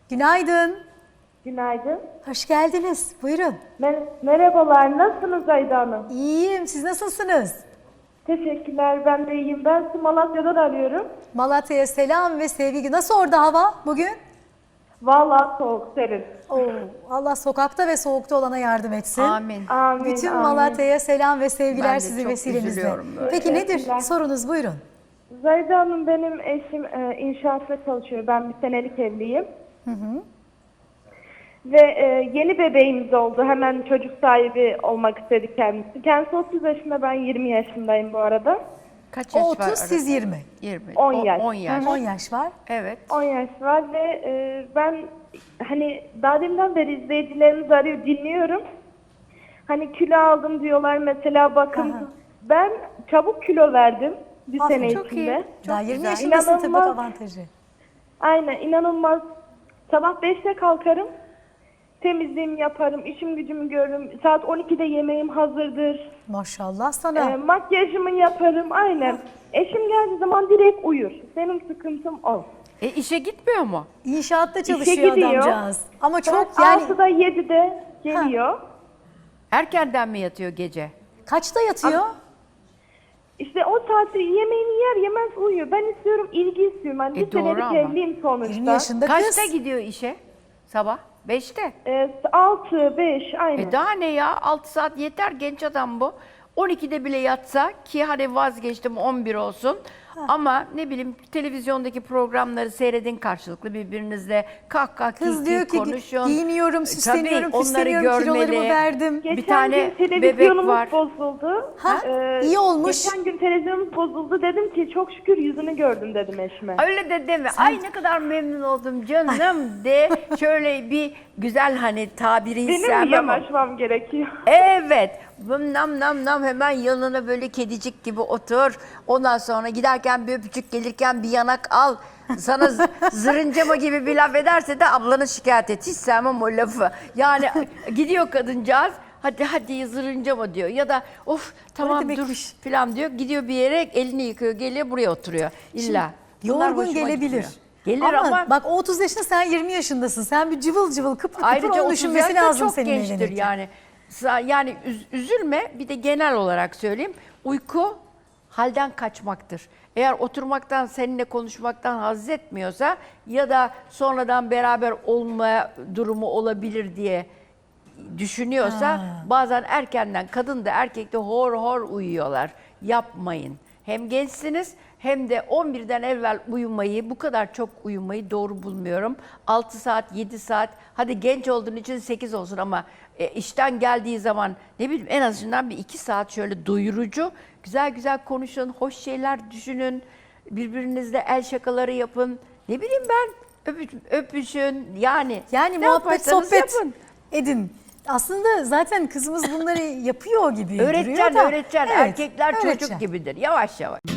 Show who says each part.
Speaker 1: Günaydın.
Speaker 2: Günaydın.
Speaker 1: Hoş geldiniz. Buyurun.
Speaker 2: Merhabalar, nasılsınız Ayda Hanım?
Speaker 1: İyiyim. Siz nasılsınız?
Speaker 2: Teşekkürler, ben de iyiyim. Ben sizi Malatya'dan arıyorum.
Speaker 1: Malatya'ya selam ve sevgi. Nasıl orada hava bugün?
Speaker 2: Vallahi soğuk, serin.
Speaker 1: Oo, Allah sokakta ve soğukta olana yardım etsin.
Speaker 3: Amin.
Speaker 2: Amin,
Speaker 1: Bütün
Speaker 2: amin.
Speaker 1: Malatya'ya selam ve sevgiler
Speaker 3: Ben de
Speaker 1: sizin
Speaker 3: çok
Speaker 1: vesilenizle.
Speaker 3: üzülüyorum böyle.
Speaker 1: Peki nedir?
Speaker 2: Teşekkürler.
Speaker 1: Sorunuz buyurun.
Speaker 2: Zahide Hanım, benim eşim inşaatta çalışıyor. Ben bir senelik evliyim. Ve yeni bebeğimiz oldu. Hemen çocuk sahibi olmak istedi kendisi. Kendisi 30 yaşında, ben 20 yaşındayım bu arada.
Speaker 3: Kaç yaş
Speaker 1: O
Speaker 3: var
Speaker 1: 30,
Speaker 3: arada?
Speaker 1: siz 20.
Speaker 3: 20.
Speaker 2: 10 yaş.
Speaker 3: 10 yaş.
Speaker 1: 10 yaş var.
Speaker 3: Evet.
Speaker 2: 10 yaş var ve ben hani daha deminden beri izleyicilerimiz arıyor, dinliyorum. Hani kilo aldım diyorlar mesela, bakın.
Speaker 1: Aha.
Speaker 2: Ben çabuk kilo verdim bir
Speaker 1: Aferin,
Speaker 2: sene
Speaker 3: çok
Speaker 2: içinde.
Speaker 3: iyi.
Speaker 1: Daha
Speaker 3: Çok
Speaker 1: 20
Speaker 3: güzel.
Speaker 1: yaşındasın tıbbet
Speaker 2: İnanılmaz.
Speaker 1: avantajı.
Speaker 2: Aynen, inanılmaz. Sabah 5'te kalkarım. Temizliğimi yaparım, işim gücümü görürüm. Saat 12'de yemeğim hazırdır.
Speaker 1: Maşallah sana.
Speaker 2: Makyajımı yaparım, aynen. Eşim geldiği zaman direkt uyur. Benim sıkıntım o.
Speaker 3: İşe gitmiyor mu?
Speaker 1: İnşaatta çalışıyor
Speaker 2: gidiyor.
Speaker 1: adamcağız. Ama çok
Speaker 2: Saat
Speaker 1: yani
Speaker 2: 6'da 7'de geliyor.
Speaker 3: Erkenden mi yatıyor gece?
Speaker 1: kaçta yatıyor?
Speaker 2: İşte o saatte yemeğini yer yemez uyuyor. Ben istiyorum, ilgi istiyorum. Ben bir
Speaker 3: doğru
Speaker 2: senelik
Speaker 3: ama.
Speaker 2: evliyim sonuçta.
Speaker 1: 20 yaşında
Speaker 3: Kaçta
Speaker 1: kız.
Speaker 3: gidiyor işe? Sabah? 5'te.
Speaker 2: 6, 5 aynen.
Speaker 3: Daha ne ya? 6 saat yeter, genç adam bu. 12'de bile yatsa, ki hadi vazgeçtim 11 olsun. Ama ne bileyim, televizyondaki programları seyredin karşılıklı birbirinizle, kahkaha
Speaker 1: Kız diyor ki
Speaker 3: konuşun.
Speaker 1: giyiniyorum, süsleniyorum,
Speaker 3: Tabii, onları
Speaker 1: püsleniyorum, kilolarımı
Speaker 3: görmeli.
Speaker 1: verdim.
Speaker 2: Geçen
Speaker 3: bir tane
Speaker 2: gün
Speaker 3: bebek
Speaker 2: televizyonumuz
Speaker 3: var.
Speaker 2: bozuldu.
Speaker 1: Ha, iyi olmuş.
Speaker 2: Geçen gün televizyonumuz bozuldu. Dedim ki çok şükür yüzünü gördüm dedim eşime.
Speaker 3: Öyle de deme. Ay ne kadar memnun oldum canım de. Şöyle bir güzel, hani tabiri
Speaker 2: Benim mi
Speaker 3: istemem ama.
Speaker 2: yanaşmam gerekiyor?
Speaker 3: Evet. Nam nam nam, hemen yanına böyle kedicik gibi otur. Ondan sonra giderken bir öpücük, gelirken bir yanak al. Sana zırıncama gibi bir laf ederse de ablanı şikayet et. Hiç sevmem o lafı. Yani gidiyor kadıncağız. Hadi hadi zırıncama diyor. Ya da of tamam dur
Speaker 1: demekmiş?
Speaker 3: falan diyor. Gidiyor bir yere, elini yıkıyor, geliyor buraya oturuyor. İlla. Bunlar
Speaker 1: Yorgun
Speaker 3: hoşuma
Speaker 1: gelebilir.
Speaker 3: gitmiyor. Gelir ama
Speaker 1: bak o 30 yaşında, sen 20 yaşındasın. Sen bir cıvıl cıvıl kıpır kıpır
Speaker 3: ayrıca
Speaker 1: onu
Speaker 3: 30
Speaker 1: düşünmesi
Speaker 3: yaşta
Speaker 1: lazım
Speaker 3: çok
Speaker 1: senin
Speaker 3: gençtir
Speaker 1: evlenirken.
Speaker 3: yani. Yani üzülme, bir de genel olarak söyleyeyim. Uyku halden kaçmaktır. Eğer oturmaktan, seninle konuşmaktan haz etmiyorsa ya da sonradan beraber olma durumu olabilir diye düşünüyorsa bazen erkenden, kadın da erkek de hor hor uyuyorlar. Yapmayın. Hem gençsiniz hem de 11'den evvel uyumayı, bu kadar çok uyumayı doğru bulmuyorum. 6 saat, 7 saat, hadi genç olduğun için 8 olsun ama işten geldiği zaman ne bileyim en azından bir 2 saat şöyle doyurucu, güzel güzel konuşun, hoş şeyler düşünün, birbirinizle el şakaları yapın. Ne bileyim ben, öpüşün yani.
Speaker 1: Yani
Speaker 3: ne
Speaker 1: muhabbet,
Speaker 3: yaparsanız
Speaker 1: sohbet
Speaker 3: yapın.
Speaker 1: edin. Aslında zaten kızımız bunları yapıyor gibi duruyor da.
Speaker 3: Öğreteceksin.
Speaker 1: Evet,
Speaker 3: Erkekler
Speaker 1: öğreteceksin.
Speaker 3: çocuk gibidir. Yavaş yavaş.